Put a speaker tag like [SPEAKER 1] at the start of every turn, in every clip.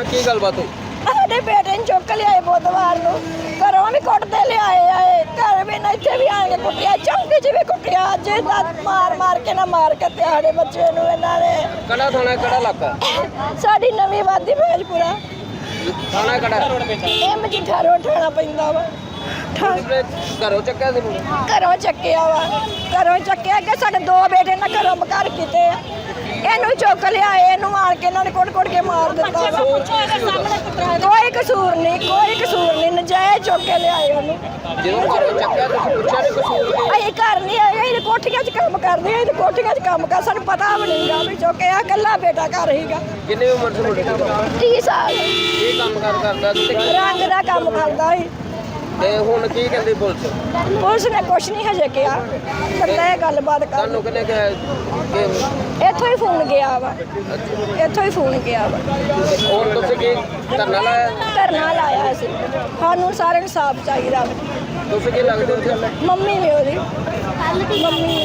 [SPEAKER 1] ਕੀ ਗੱਲਬਾਤ ਹੋਈ?
[SPEAKER 2] ਸਾਡੇ ਬੇਟੇ ਨੂੰ ਚੁੱਕ ਲਿਆਏ ਬੁੱਧਵਾਰ ਨੂੰ, ਘਰੋਂ ਵੀ ਕੁੱਟਦੇ ਲਿਆਏ ਘਰ ਵੀ ਨਾ ਇੱਥੇ ਵੀ ਆਏ ਕੁੱਟਿਆ, ਚੌਂਕੀ 'ਚ ਵੀ ਕੁੱਟਿਆ। ਅੱਜ ਮਾਰ ਕੇ ਨਾ ਮਾਰ ਕੇ ਤੇ ਸਾਡੇ ਬੱਚੇ ਨੂੰ ਇਹਨਾਂ ਨੇ।
[SPEAKER 1] ਕਿਹੜਾ ਥਾਣਾ, ਕਿਹੜਾ ਇਲਾਕਾ?
[SPEAKER 2] ਸਾਡੀ ਨਵੀਂ ਵਾਦੀ ਭੇਜਪੁਰਾ
[SPEAKER 1] ਥਾਣਾ ਕਿਹੜਾ?
[SPEAKER 2] ਇਹ ਮਜੀਠਾ ਰੋਡ ਠਾਣਾ ਪੈਂਦਾ ਵਾ।
[SPEAKER 1] ਘਰੋਂ ਚੱਕਿਆ ਸੀ ਮੁੰਡੇ?
[SPEAKER 2] ਘਰੋਂ ਚੱਕਿਆ ਵਾ, ਘਰੋਂ ਚੱਕਿਆ ਕਿ ਸਾਡੇ ਦੋ ਬੇਟੇ ਨਾ ਘਰੋਂ ਘਰ ਕੀਤੇ ਆ। ਇਹਨੂੰ ਚੁੱਕ ਲਿਆਏ, ਇਹਨੂੰ ਆਣ ਕੇ ਇਹਨਾਂ ਨੇ ਕੁੱਟ ਕੇ ਮਾਰ ਦਿੱਤਾ। ਕੋਈ ਕਸੂਰ ਨਹੀਂ, ਨਜਾਇਜ਼ ਚੁੱਕ ਕੇ ਲਿਆਏ ਉਹਨੂੰ।
[SPEAKER 1] ਜਦੋਂ ਘਰੋਂ ਚੱਕਿਆ ਤੁਸੀਂ ਪੁੱਛਿਆ ਨਹੀਂ ਕਸੂਰ ਕੀ?
[SPEAKER 2] ਅਸੀਂ ਘਰ ਨਹੀਂ ਆਏ, ਅਸੀਂ ਕੋਠੀਆਂ 'ਚ ਕੰਮ ਕਰਦੇ, ਅਸੀਂ ਕੋਠੀਆਂ 'ਚ ਕੰਮ ਕਰ, ਸਾਨੂੰ ਪਤਾ ਵੀ ਨਹੀਂਗਾ ਵੀ ਚੁੱਕਿਆ। ਇਕੱਲਾ ਬੇਟਾ ਘਰ ਹੀਗਾ।
[SPEAKER 1] ਕਿੰਨੀ ਉਮਰ ਸੀ ਮੁੰਡੇ ਦੀ?
[SPEAKER 2] 30 ਸਾਲ।
[SPEAKER 1] ਕੀ ਕੰਮ ਕਰਦਾ ਸੀ?
[SPEAKER 2] ਰੰਗ ਦਾ ਕੰਮ ਕਰਦਾ ਸੀ।
[SPEAKER 1] ਤੇ ਹੁਣ ਕੀ ਕਹਿੰਦੀ ਪੁਲਿਸ?
[SPEAKER 2] ਪੁਲਿਸ ਨੇ ਕੁਛ ਨਹੀਂ ਹਜੇ ਕਿਹਾ, ਬੰਦਾ ਇਹ ਗੱਲਬਾਤ ਕਰ।
[SPEAKER 1] ਤੁਹਾਨੂੰ ਕਿਹਨੇ ਕਿਹਾ ਕਿ
[SPEAKER 2] ਇੱਥੋਂ ਹੀ ਫੋਨ ਗਿਆ ਵਾ, ਇੱਥੋਂ ਹੀ ਫੋਨ ਗਿਆ ਵਾ।
[SPEAKER 1] ਹੁਣ ਤੁਸੀਂ ਕੀ ਧਰਨਾ ਲਾਇਆ?
[SPEAKER 2] ਧਰਨਾ ਲਾਇਆ ਸੀ। ਸਾਨੂੰ ਸਾਰਿਆਂ ਨੂੰ ਸਾਫ ਚਾਹੀਦਾ ਵਾ।
[SPEAKER 1] ਤੁਸੀਂ ਕੀ ਲੱਗਦੇ ਹੋ?
[SPEAKER 2] ਮੰਮੀ ਵੀ ਉਹਦੀ ਮੰਮੀ।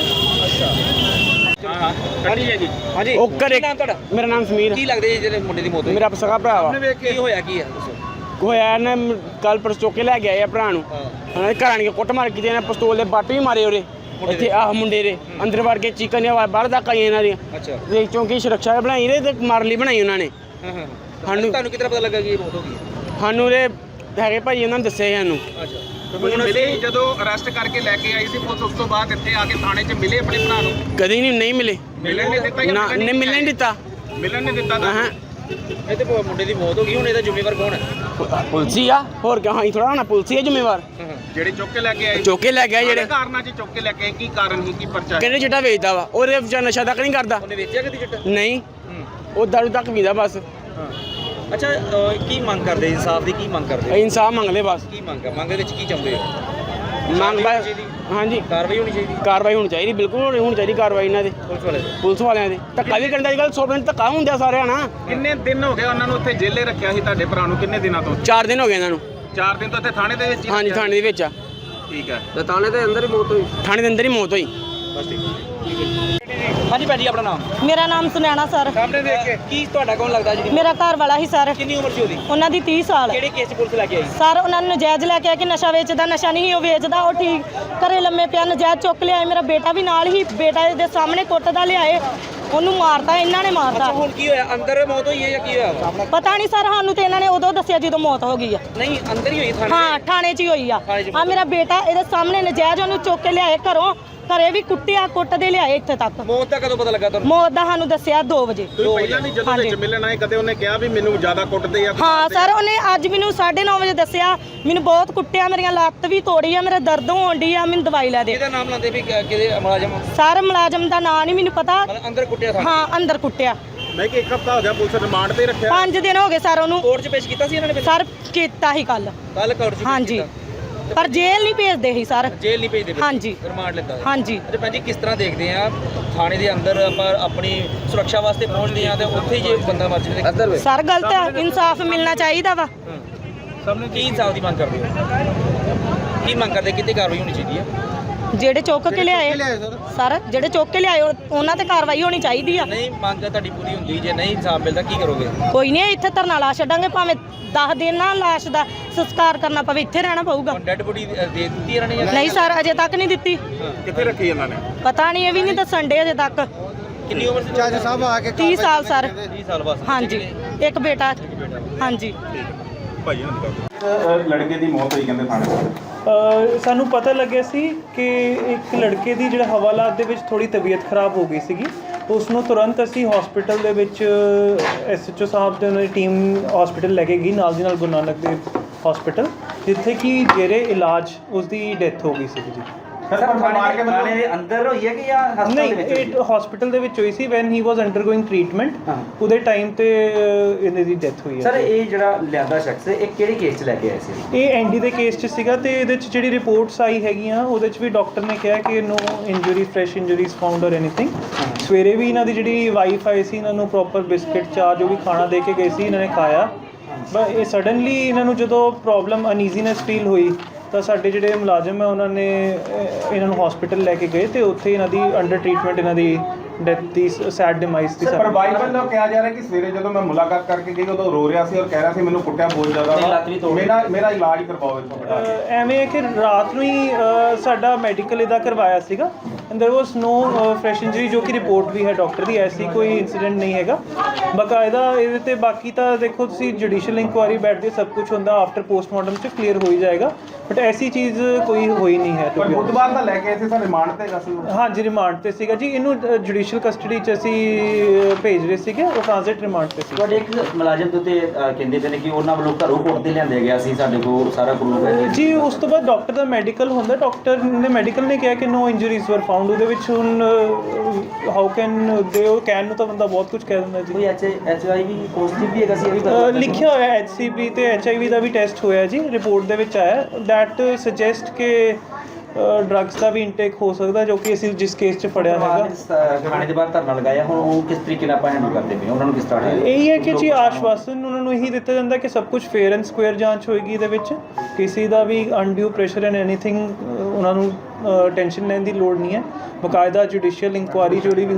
[SPEAKER 1] ਹਾਂਜੀ
[SPEAKER 3] ਉਹ ਘਰੇ
[SPEAKER 1] ਨਾਮ ਤੁਹਾਡਾ?
[SPEAKER 3] ਮੇਰਾ ਨਾਮ ਸਮੀਰ।
[SPEAKER 1] ਕੀ ਲੱਗਦੇ ਜੀ ਜਿਹੜੇ ਮੁੰਡੇ ਦੀ ਮੌਤ ਹੋਈ?
[SPEAKER 3] ਮੇਰਾ ਸਗਾ ਭਰਾ ਵਾ।
[SPEAKER 1] ਕੀ ਹੋਇਆ ਕੀ ਹੈ ਦੱਸੋ?
[SPEAKER 3] ਹੋਇਆ ਨਾ ਕੱਲ ਪਰਸੋਂ ਚੁੱਕ ਕੇ ਲੈ ਗਿਆ ਭਰਾ ਨੂੰ। ਉਹਨਾਂ ਦੇ ਘਰ ਆਣ ਕੇ ਕੁੱਟ ਮਾਰ ਕੀਤੀ, ਇਹਨਾਂ ਪਿਸਤੌਲ ਦੇ ਬੱਟ ਵੀ ਮਾਰੇ ਉਹਦੇ ਇੱਥੇ। ਆਹ ਮੁੰਡੇ ਦੇ ਅੰਦਰ ਵੜ ਕੇ ਚੀਕਾਂ ਦੀਆਂ ਆਵਾਜ਼ ਬਾਹਰ ਤੱਕ ਆਈ ਇਹਨਾਂ ਦੀਆਂ।
[SPEAKER 1] ਅੱਛਾ।
[SPEAKER 3] ਤੇ ਚੌਂਕੀ ਸੁਰੱਖਿਆ ਬਣਾਈ ਰਹੇ ਤੇ ਮਾਰ ਲਈ ਬਣਾਈ ਉਹਨਾਂ ਨੇ।
[SPEAKER 1] ਸਾਨੂੰ ਤੁਹਾਨੂੰ ਕਿਤਨਾ ਪਤਾ ਲੱਗਾ ਕਿ ਇਹ ਮੌਤ ਹੋ ਗਈ?
[SPEAKER 3] ਸਾਨੂੰ ਦੇ ਹੈਗੇ ਭਾਈ ਉਹਨਾਂ ਨੇ ਦੱਸਿਆ ਸਾਨੂੰ।
[SPEAKER 1] ਅੱਛਾ।
[SPEAKER 4] ਮਿਲੇ ਜਦੋਂ ਅਰੈਸਟ ਕਰਕੇ ਲੈ ਕੇ ਆਈ ਸੀ ਪੁਲਿਸ, ਉਸ ਤੋਂ ਬਾਅਦ ਇੱਥੇ ਆ ਕੇ ਥਾਣੇ 'ਚ ਮਿਲੇ ਆਪਣੇ ਭਰਾ ਨੂੰ?
[SPEAKER 3] ਕਦੀ ਨਹੀਂ ਮਿਲੇ।
[SPEAKER 4] ਮਿਲਣ ਨਹੀਂ ਦਿੱਤਾ?
[SPEAKER 3] ਨਾ ਨਹੀਂ ਮਿਲਣ ਨਹੀਂ ਦਿੱਤਾ।
[SPEAKER 4] ਮਿਲਣ ਨਹੀਂ ਦਿੱਤਾ ਤਾਂ
[SPEAKER 3] ਹਾਂ
[SPEAKER 1] ਇਹ ਤੇ ਮੁੰਡੇ ਦੀ ਮੌਤ ਹੋ ਗਈ, ਹੁਣ ਇਹਦਾ ਜ਼ਿੰਮੇਵਾਰ ਕੌਣ ਹੈ?
[SPEAKER 3] ਪੁਲਿਸ ਆ, ਹੋਰ ਕਿਆ? ਹਾਂ ਥੋੜਾ ਹੋਣਾ ਪੁਲਿਸ ਹੀ ਹੈ ਜ਼ਿੰਮੇਵਾਰ।
[SPEAKER 4] ਜਿਹੜੇ ਚੁੱਕ ਕੇ ਲੈ ਕੇ ਆਏ?
[SPEAKER 3] ਚੁੱਕ ਕੇ ਲੈ ਗਿਆ ਜਿਹੜੇ
[SPEAKER 4] ਕਾਰਨਾਂ 'ਚ ਚੁੱਕ ਕੇ ਲੈ ਕੇ ਆਏ, ਕੀ ਕਾਰਨ ਸੀ, ਕੀ ਪਰਚਾ?
[SPEAKER 3] ਕਹਿੰਦੇ ਚਿੱਟਾ ਵੇਚਦਾ ਵਾ, ਉਹਦੇ ਵਿਚਾਰ ਨਸ਼ਾ ਤੱਕ ਨਹੀਂ ਕਰਦਾ।
[SPEAKER 1] ਉਹਨੇ ਵੇਚਿਆ ਕਦੀ ਚਿੱਟਾ?
[SPEAKER 3] ਨਹੀਂ, ਉਹ ਦਾਰੂ ਤੱਕ ਪੀਂਦਾ ਬਸ।
[SPEAKER 1] ਅੱਛਾ, ਕੀ ਮੰਗ ਕਰਦੇ? ਇਨਸਾਫ ਦੀ ਕੀ ਮੰਗ ਕਰਦੇ?
[SPEAKER 3] ਅਸੀਂ ਇਨਸਾਫ ਮੰਗਦੇ ਬਸ।
[SPEAKER 1] ਕੀ ਮੰਗ ਹੈ? ਮੰਗ ਦੇ ਵਿੱਚ ਕੀ ਚਾਹੁੰਦੇ ਹੋ?
[SPEAKER 3] ਮੰਗ ਬਸ ਹਾਂਜੀ
[SPEAKER 1] ਕਾਰਵਾਈ ਹੋਣੀ ਚਾਹੀਦੀ?
[SPEAKER 3] ਕਾਰਵਾਈ ਹੋਣੀ ਚਾਹੀਦੀ, ਬਿਲਕੁਲ ਹੋਣੀ ਚਾਹੀਦੀ ਕਾਰਵਾਈ ਇਹਨਾਂ ਦੇ,
[SPEAKER 1] ਪੁਲਿਸ ਵਾਲੇ ਦੇ?
[SPEAKER 3] ਪੁਲਿਸ ਵਾਲਿਆਂ ਦੇ। ਧੱਕਾ ਵੀ ਕਰਦਾ ਅੱਜ ਕੱਲ੍ਹ 100% ਧੱਕਾ ਹੁੰਦਾ ਸਾਰਿਆਂ ਨਾਲ।
[SPEAKER 4] ਕਿੰਨੇ ਦਿਨ ਹੋ ਗਏ ਉਹਨਾਂ ਨੂੰ ਉੱਥੇ ਜੇਲੇ ਰੱਖਿਆ ਸੀ ਤੁਹਾਡੇ ਭਰਾ ਨੂੰ? ਕਿੰਨੇ ਦਿਨਾਂ ਤੋਂ?
[SPEAKER 3] 4 ਦਿਨ ਹੋ ਗਏ ਇਹਨਾਂ ਨੂੰ।
[SPEAKER 4] 4 ਦਿਨ ਤੋਂ ਇੱਥੇ ਥਾਣੇ ਦੇ ਵਿੱਚ ਹੀ
[SPEAKER 3] ਹਾਂਜੀ
[SPEAKER 4] ਰੱਖਿਆ?
[SPEAKER 3] ਥਾਣੇ ਦੇ ਵਿੱਚ ਆ।
[SPEAKER 4] ਠੀਕ ਹੈ।
[SPEAKER 1] ਤੇ ਥਾਣੇ ਦੇ ਅੰਦਰ ਹੀ ਮੌਤ ਹੋਈ?
[SPEAKER 3] ਥਾਣੇ ਦੇ ਅੰਦਰ ਹੀ ਮੌਤ ਹੋਈ।
[SPEAKER 1] ਬਸ ਠੀਕ ਹਾਂਜੀ ਭੈਣ ਜੀ, ਆਪਣਾ ਨਾਮ?
[SPEAKER 2] ਮੇਰਾ ਨਾਮ ਸੁਨੈਣਾ ਸਰ।
[SPEAKER 1] ਸਾਹਮਣੇ ਦੇਖ ਕੇ ਕੀ ਤੁਹਾਡਾ ਕੌਣ ਲੱਗਦਾ ਜੀ?
[SPEAKER 2] ਮੇਰਾ ਘਰ ਵਾਲਾ ਹੀ ਸਰ।
[SPEAKER 1] ਕਿੰਨੀ ਉਮਰ ਸੀ ਉਹਦੀ?
[SPEAKER 2] ਉਹਨਾਂ ਦੀ 30 ਸਾਲ।
[SPEAKER 1] ਕਿਹੜੇ ਕੇਸ 'ਚ ਪੁਲਿਸ ਲੈ ਕੇ ਆਈ?
[SPEAKER 2] ਸਰ ਉਹਨਾਂ ਨੂੰ ਨਜਾਇਜ਼ ਲੈ ਕੇ ਆ ਕਿ ਨਸ਼ਾ ਵੇਚਦਾ, ਨਸ਼ਾ ਨਹੀਂ ਉਹ ਵੇਚਦਾ, ਉਹ ਠੀਕ ਘਰੇ ਲੰਮੇ ਪਿਆ, ਨਜਾਇਜ਼ ਚੁੱਕ ਲਿਆਏ। ਮੇਰਾ ਬੇਟਾ ਵੀ ਨਾਲ ਹੀ, ਬੇਟਾ ਦੇ ਸਾਹਮਣੇ ਕੁੱਟਦਾ ਲਿਆਏ, ਉਹਨੂੰ ਮਾਰਦਾ, ਇਹਨਾਂ ਨੇ ਮਾਰਦਾ।
[SPEAKER 1] ਹੁਣ ਕੀ ਹੋਇਆ? ਅੰਦਰ ਮੌਤ ਹੋਈ ਹੈ ਜਾਂ ਕੀ ਹੋਇਆ?
[SPEAKER 2] ਪਤਾ ਨਹੀਂ ਸਰ, ਸਾਨੂੰ ਤੇ ਇਹਨਾਂ ਨੇ ਉਦੋਂ ਦੱਸਿਆ ਜਦੋਂ ਮੌਤ ਹੋ ਗਈ ਆ।
[SPEAKER 1] ਨਹੀਂ, ਅੰਦਰ ਹੀ ਹੋਈ ਥਾਣੇ?
[SPEAKER 2] ਹਾਂ ਥਾਣੇ 'ਚ ਹੀ ਹੋਈ ਆ। ਆ ਮੇਰਾ ਬੇਟਾ ਇਹਦੇ ਸਾਹਮਣੇ ਨਜਾਇਜ਼ ਉਹਨੂੰ ਚੁੱਕ ਕੇ ਲਿਆਏ ਘਰੋਂ, ਘਰੇ ਵੀ ਕੁੱਟਿਆ, ਕੁੱਟਦੇ ਲਿਆਏ ਇੱਥੇ ਤੱਕ।
[SPEAKER 1] ਮੌਤ ਦਾ ਕਦੋਂ ਪਤਾ ਲੱਗਾ ਤੁਹਾਨੂੰ?
[SPEAKER 2] ਮੌਤ ਦਾ ਸਾਨੂੰ ਦੱਸਿਆ 2 ਵਜੇ।
[SPEAKER 4] ਤੁਸੀਂ ਪਹਿਲਾਂ ਨਹੀਂ ਜਦੋਂ ਵਿੱਚ ਮਿਲਣ ਆਏ ਕਦੇ ਉਹਨੇ ਕਿਹਾ ਵੀ ਮੈਨੂੰ ਜ਼ਿਆਦਾ ਕੁੱਟਦੇ ਆ?
[SPEAKER 2] ਹਾਂ ਸਰ, ਉਹਨੇ ਅੱਜ ਮੈਨੂੰ 9:30 ਵਜੇ ਦੱਸਿਆ, ਮੈਨੂੰ ਬਹੁਤ ਕੁੱਟਿਆ, ਮੇਰੀਆਂ ਲੱਤ ਵੀ ਤੋੜੀ ਆ, ਮੇਰਾ ਦਰਦ ਹੋਣ ਡਈ ਆ, ਮੈਨੂੰ ਦਵਾਈ ਲੈ ਦੇ।
[SPEAKER 1] ਇਹਦਾ ਨਾਮ ਲਾਉਂਦੇ ਵੀ ਕਿਹਦੇ ਮੁਲਾਜ਼ਮ?
[SPEAKER 2] ਸਰ ਮੁਲਾਜ਼ਮ ਦਾ ਨਾਂ ਨਹੀਂ ਮੈਨੂੰ ਪਤਾ।
[SPEAKER 1] ਮਤਲਬ ਅੰਦਰ ਕੁੱਟਿਆ ਥਾਣੇ?
[SPEAKER 2] ਹਾਂ ਅੰਦਰ ਕੁੱਟਿਆ।
[SPEAKER 4] ਮੈਂ ਕਿ 1 ਹਫ਼ਤਾ ਹੋ ਗਿਆ ਪੁਲਿਸ ਰਿਮਾਂਡ ਤੇ ਰੱਖਿਆ?
[SPEAKER 2] 5 ਦਿਨ ਹੋ ਗਏ ਸਰ ਉਹਨੂੰ।
[SPEAKER 1] ਕੋਰਟ 'ਚ ਪੇਸ਼ ਕੀਤਾ ਸੀ ਇਹਨਾਂ ਨੇ?
[SPEAKER 2] ਸਰ ਕੀਤਾ ਹੀ ਕੱਲ
[SPEAKER 1] ਕੋਰਟ 'ਚ?
[SPEAKER 2] ਹਾਂਜੀ, ਪਰ ਜੇਲ੍ਹ ਨਹੀਂ ਭੇਜਦੇ ਸੀ ਸਰ।
[SPEAKER 1] ਜੇਲ੍ਹ ਨਹੀਂ ਭੇਜਦੇ?
[SPEAKER 2] ਹਾਂਜੀ।
[SPEAKER 1] ਰਿਮਾਂਡ ਲੈਂਦਾ?
[SPEAKER 2] ਹਾਂਜੀ।
[SPEAKER 1] ਤੇ ਭੈਣ ਜੀ, ਕਿਸ ਤਰ੍ਹਾਂ ਦੇਖਦੇ ਆ ਥਾਣੇ ਦੇ ਅੰਦਰ ਆਪਾਂ ਆਪਣੀ ਸੁਰੱਖਿਆ ਵਾਸਤੇ ਪਹੁੰਚਦੇ ਆ ਤੇ ਉੱਥੇ ਹੀ ਜੇ ਬੰਦਾ ਮਰ ਜਾਵੇ? ਅੰਦਰ
[SPEAKER 2] ਸਰ ਗਲਤ ਹੈ, ਇਨਸਾਫ ਮਿਲਣਾ ਚਾਹੀਦਾ ਵਾ।
[SPEAKER 1] ਕੀ ਇਨਸਾਫ ਦੀ ਮੰਗ ਕਰਦੇ ਹੋ? ਕੀ ਮੰਗ ਕਰਦੇ? ਕਿਤੇ ਕਾਰਵਾਈ ਹੋਣੀ ਚਾਹੀਦੀ ਹੈ?
[SPEAKER 2] ਜਿਹੜੇ ਚੁੱਕ ਕੇ ਲਿਆਏ ਸਰ, ਜਿਹੜੇ ਚੁੱਕ ਕੇ ਲਿਆਏ ਉਹਨਾਂ ਤੇ ਕਾਰਵਾਈ ਹੋਣੀ ਚਾਹੀਦੀ ਆ।
[SPEAKER 1] ਨਹੀਂ ਮੰਗ ਤੁਹਾਡੀ ਪੂਰੀ ਹੁੰਦੀ, ਜੇ ਨਹੀਂ ਇਨਸਾਫ ਮਿਲਦਾ ਕੀ ਕਰੋਗੇ?
[SPEAKER 2] ਕੋਈ ਨਹੀਂ, ਇੱਥੇ ਧਰਨਾ ਲਾ ਛੱਡਾਂਗੇ, ਭਾਵੇਂ 10 ਦਿਨ ਨਾ ਲਾਸ਼ ਦਾ ਸੰਸਕਾਰ ਕਰਨਾ ਪਵੇ, ਇੱਥੇ ਰਹਿਣਾ ਪਊਗਾ।
[SPEAKER 1] ਡੈਡ ਬੋਡੀ ਦੇ ਦਿੱਤੀ ਇਹਨਾਂ ਨੇ ਜਾਂ
[SPEAKER 2] ਨਹੀਂ ਸਰ, ਅਜੇ ਤੱਕ ਨਹੀਂ ਦਿੱਤੀ।
[SPEAKER 4] ਕਿੱਥੇ ਰੱਖੀ ਇਹਨਾਂ ਨੇ?
[SPEAKER 2] ਪਤਾ ਨਹੀਂ, ਇਹ ਵੀ ਨਹੀਂ ਦੱਸਣ ਡੇ ਅਜੇ ਤੱਕ।
[SPEAKER 1] ਕਿੰਨੀ ਉਮਰ ਸੀ?
[SPEAKER 4] ਜੱਜ ਸਾਹਿਬ ਆ ਕੇ
[SPEAKER 2] 30 ਸਾਲ ਸਰ।
[SPEAKER 1] 30 ਸਾਲ ਬਸ?
[SPEAKER 2] ਹਾਂਜੀ, ਇੱਕ ਬੇਟਾ। ਹਾਂਜੀ।
[SPEAKER 4] ਭਾਈ ਲੜਕੇ ਦੀ ਮੌਤ ਹੋਈ ਕਹਿੰਦੇ ਥਾਣੇ?
[SPEAKER 5] ਸਾਨੂੰ ਪਤਾ ਲੱਗਿਆ ਸੀ ਕਿ ਇੱਕ ਲੜਕੇ ਦੀ ਜਿਹੜਾ ਹਵਾਲਾਤ ਦੇ ਵਿੱਚ ਥੋੜੀ ਤਬੀਅਤ ਖਰਾਬ ਹੋ ਗਈ ਸੀਗੀ। ਉਸ ਨੂੰ ਤੁਰੰਤ ਅਸੀਂ ਹਸਪੀਟਲ ਦੇ ਵਿੱਚ SHO ਸਾਹਿਬ ਦੇ ਉਹਨਾਂ ਦੀ ਟੀਮ ਹਸਪੀਟਲ ਲੈ ਕੇ ਗਈ, ਨਾਲ ਦੀ ਨਾਲ ਗੁਰੂ ਨਾਨਕ ਦੇਵ ਹਸਪੀਟਲ, ਜਿੱਥੇ ਕਿ ਜੇਰੇ ਇਲਾਜ ਉਸ ਦੀ ਡੈਥ ਹੋ ਗਈ ਸੀ ਜੀ।
[SPEAKER 1] ਥਾਣੇ ਦੇ ਅੰਦਰ ਹੋਈ ਹੈ ਕਿ ਜਾਂ ਹਸਪਤਾਲ ਦੇ ਵਿੱਚ?
[SPEAKER 5] ਨਹੀਂ, ਇਹ ਹਸਪੀਟਲ ਦੇ ਵਿੱਚ ਹੋਈ ਸੀ when he was undergoing treatment. ਉਹਦੇ ਟਾਈਮ ਤੇ ਇਹਦੀ ਦੀ ਡੈਥ ਹੋਈ ਹੈ।
[SPEAKER 1] ਸਰ ਇਹ ਜਿਹੜਾ ਲਿਆਂਦਾ ਸ਼ਖਸ ਇਹ ਕਿਹੜੇ ਕੇਸ 'ਚ ਲੈ ਕੇ ਆਏ ਸੀ?
[SPEAKER 5] ਇਹ ਐਨਡੀ ਦੇ ਕੇਸ 'ਚ ਸੀਗਾ, ਤੇ ਇਹਦੇ 'ਚ ਜਿਹੜੀ ਰਿਪੋਰਟਸ ਆਈ ਹੈਗੀਆਂ ਉਹਦੇ 'ਚ ਵੀ ਡਾਕਟਰ ਨੇ ਕਿਹਾ ਕਿ no injury, fresh injuries found or anything. ਸਵੇਰੇ ਵੀ ਇਹਨਾਂ ਦੀ ਜਿਹੜੀ ਵਾਈਫ ਆਈ ਸੀ, ਇਹਨਾਂ ਨੂੰ ਪ੍ਰੋਪਰ ਬਿਸਕਿਟ, ਚਾਹ ਜੋ ਵੀ ਖਾਣਾ ਦੇ ਕੇ ਗਏ ਸੀ, ਇਹਨਾਂ ਨੇ ਖਾਇਆ। ਬਟ ਇਹ ਸਡਨਲੀ ਇਹਨਾਂ ਨੂੰ ਜਦੋਂ ਪ੍ਰੋਬਲਮ ਅਨਈਜ਼ੀਨੈਸ ਫੀਲ ਹੋਈ ਤਾਂ ਸਾਡੇ ਜਿਹੜੇ ਮੁਲਾਜ਼ਮ ਹੈ ਉਹਨਾਂ ਨੇ ਇਹਨਾਂ ਨੂੰ ਹਸਪੀਟਲ ਲੈ ਕੇ ਗਏ, ਤੇ ਉੱਥੇ ਇਹਨਾਂ ਦੀ ਅੰਡਰ ਟ੍ਰੀਟਮੈਂਟ ਇਹਨਾਂ ਦੀ ਡੈਥ ਦੀ ਸੈਡ ਡਿਮਾਈਸ ਦੀ
[SPEAKER 6] ਪਰ ਬਾਈ ਵੱਲੋਂ ਕਿਹਾ ਜਾ ਰਿਹਾ ਕਿ ਸਵੇਰੇ ਜਦੋਂ ਮੈਂ ਮੁਲਾਕਾਤ ਕਰਕੇ ਗਈ ਉਦੋਂ ਰੋ ਰਿਹਾ ਸੀ ਔਰ ਕਹਿ ਰਿਹਾ ਸੀ ਮੈਨੂੰ ਕੁੱਟਿਆ ਬਹੁਤ ਜ਼ਿਆਦਾ ਮੇਰਾ ਇਲਾਜ ਕਰਵਾਓ ਇੱਥੋਂ ਬਿਠਾ ਕੇ।
[SPEAKER 5] ਐਵੇਂ ਹੈ ਕਿ ਰਾਤ ਨੂੰ ਹੀ ਸਾਡਾ ਮੈਡੀਕਲ ਇਹਦਾ ਕਰਵਾਇਆ ਸੀਗਾ and there was no fresh injury ਜੋ ਕਿ ਰਿਪੋਰਟ ਵੀ ਹੈ ਡਾਕਟਰ ਦੀ, ਐਸੀ ਕੋਈ ਇਨਸੀਡੈਂਟ ਨਹੀਂ ਹੈਗਾ ਬਕਾਇਦਾ ਇਹਦੇ ਤੇ। ਬਾਕੀ ਤਾਂ ਦੇਖੋ ਤੁਸੀਂ ਜੁਡੀਸ਼ੀਅਲ ਇਨਕੁਆਇਰੀ ਬੈਠਦੇ ਸਭ ਕੁਝ ਹੁੰਦਾ ਆਫਟਰ ਪੋਸਟਮਾਰਟਮ 'ਚ ਕਲੀਅਰ ਹੋ ਹੀ ਜਾਏਗਾ, ਬਟ ਐਸੀ ਚੀਜ਼ ਕੋਈ ਹੋਈ ਨਹੀਂ ਹੈ।
[SPEAKER 6] ਪਰ ਬੁੱਧਵਾਰ ਦਾ ਲੈ ਕੇ ਆਏ ਸੀ ਸਰ ਰਿਮਾਂਡ ਤੇ ਹੈਗਾ ਸੀ ਉਹ?
[SPEAKER 5] ਹਾਂਜੀ ਰਿਮਾਂਡ ਤੇ ਸੀਗਾ ਜੀ, ਇਹਨੂੰ ਜੁਡੀਸ਼ੀਅਲ ਕਸਟਡੀ 'ਚ ਅਸੀਂ ਭੇਜ ਰਹੇ ਸੀਗੇ, ਉਹ ਟ੍ਰਾਂਜ਼ਿਟ ਰਿਮਾਂਡ ਤੇ ਸੀ।
[SPEAKER 7] ਤੁਹਾਡੇ ਇੱਕ ਮੁਲਾਜ਼ਮ ਦੇ ਉੱਤੇ ਕਹਿੰਦੇ ਪਏ ਨੇ ਕਿ ਉਹਨਾਂ ਵੱਲੋਂ ਘਰੋਂ ਕੋਰਟ ਤੇ ਲਿਆਂਦੇ ਗਿਆ ਸੀ, ਸਾਡੇ ਕੋਲ ਸਾਰਾ ਪ੍ਰੂਫ ਹੈ
[SPEAKER 5] ਜੀ। ਉਸ ਤੋਂ ਬਾਅਦ ਡਾਕਟਰ ਦਾ ਮੈਡੀਕਲ ਹੁੰਦਾ, ਡਾਕਟਰ ਨੇ ਮੈਡੀਕਲ ਨੇ ਕਿਹਾ ਕਿ ਨੋ ਇੰਜਰੀਜ਼ ਵਰ ਫਾਊਂਡ। ਉਹਦੇ ਵਿੱਚ ਹੁਣ ਹਾਊ ਕੈਨ ਦੇ ਉਹ ਕੈਨ ਨੂੰ ਤਾਂ ਬੰਦਾ ਬਹੁਤ ਕੁਝ ਕਹਿ ਦਿੰਦਾ ਜੀ।
[SPEAKER 7] ਕੋਈ HIV ਪੋਜ਼ਿਟਿਵ ਵੀ ਹੈਗਾ ਸੀ, ਇਹ ਵੀ ਪਤਾ
[SPEAKER 5] ਲਿਖਿਆ ਹੋਇਆ HCV ਤੇ HIV ਦਾ ਵੀ ਟੈਸਟ ਹੋਇਆ ਜੀ, ਰਿਪੋਰਟ ਦੇ ਵਿੱਚ ਆਇਆ ਦੈਟ ਸੁਜੈਸਟ ਕਿ ਡਰੱਗਸ ਦਾ ਵੀ ਇਨਟੇਕ ਹੋ ਸਕਦਾ, ਜੋ ਕਿ ਅਸੀਂ ਜਿਸ ਕੇਸ 'ਚ ਫੜਿਆ ਹੈਗਾ।
[SPEAKER 7] ਥਾਣੇ ਦੇ ਬਾਹਰ ਧਰਨਾ ਲਗਾਇਆ, ਹੁਣ ਉਹ ਕਿਸ ਤਰੀਕੇ ਨਾਲ ਆਪਾਂ ਹੈਂਡਲ ਕਰਦੇ ਪਏ ਉਹਨਾਂ ਨੂੰ ਕਿਸ ਤਰ੍ਹਾਂ?
[SPEAKER 5] ਇਹੀ ਹੈ ਕਿ ਜੀ ਆਸ਼ਵਾਸਨ ਉਹਨਾਂ ਨੂੰ ਇਹੀ ਦਿੱਤਾ ਜਾਂਦਾ ਕਿ ਸਭ ਕੁਝ ਫੇਅਰ ਐਂਡ ਸਕੁਅਰ ਜਾਂਚ ਹੋਏਗੀ, ਇਹਦੇ ਵਿੱਚ ਕਿਸੇ ਦਾ ਵੀ ਅਨਡਿਊ ਪ੍ਰੈਸ਼ਰ ਐਂਡ ਐਨੀਥਿੰਗ ਉਹਨਾਂ ਨੂੰ ਟੈਨਸ਼ਨ ਲੈਣ ਦੀ ਲੋੜ ਨਹੀਂ ਹੈ। ਬਕਾਇਦਾ ਜੁਡੀਸ਼ੀਅਲ ਇਨਕੁਆਇਰੀ ਜਿਹੜੀ ਵੀ